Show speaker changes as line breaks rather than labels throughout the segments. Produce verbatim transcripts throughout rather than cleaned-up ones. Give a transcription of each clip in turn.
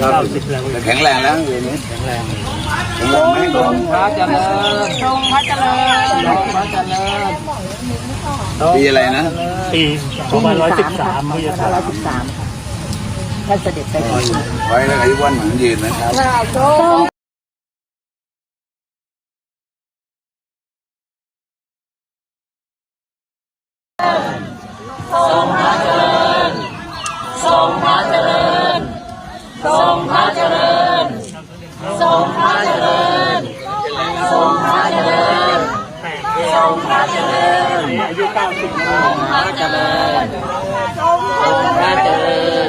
เก้าสิบแล้วแข็งแรงแล้วอย่างนี้แข็งแรงแข็งแรงไหมทรงพระเจริญทรงพระเจริญทรงพระเจริญปีอะไรนะปีสองพันร้อยสิบสามพุทธศักราชสิบสามท่านเสด็จไปไว้แล้วอายุวันหมันยืนนะครับทรงพระเจริญทรงพระเจริญทรงพระเจริญทรงพระเจริญทรงพระเจริญทรงพระเจริญอายุเก้าสิบทรงพระเจริญทรงพระเจริญ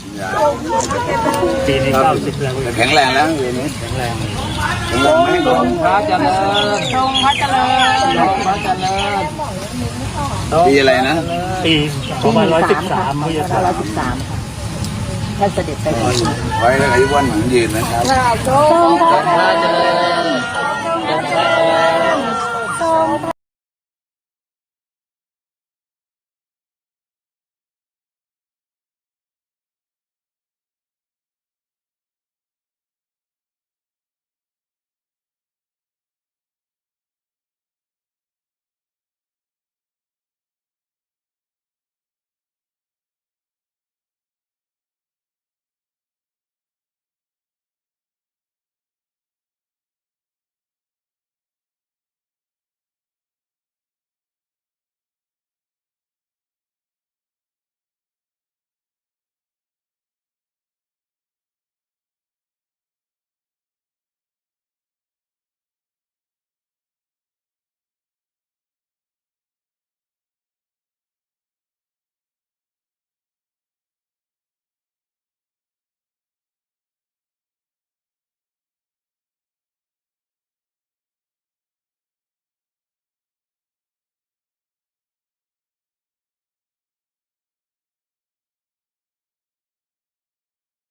ปีนี้เก้าสิบแล้วแข็งแรงแล้วอย่างนี้แข็งแรงแข็งแรงไหมทรงพระเจริญทรงพระเจริญทรงพระเจริญปีอะไรนะปีสองพันร้อยสิบสามพุทธศักราชสิบสามท่านเสด็จไปไว้แล้วอายุวันหมันยืนนะครับทรงพระเจริญ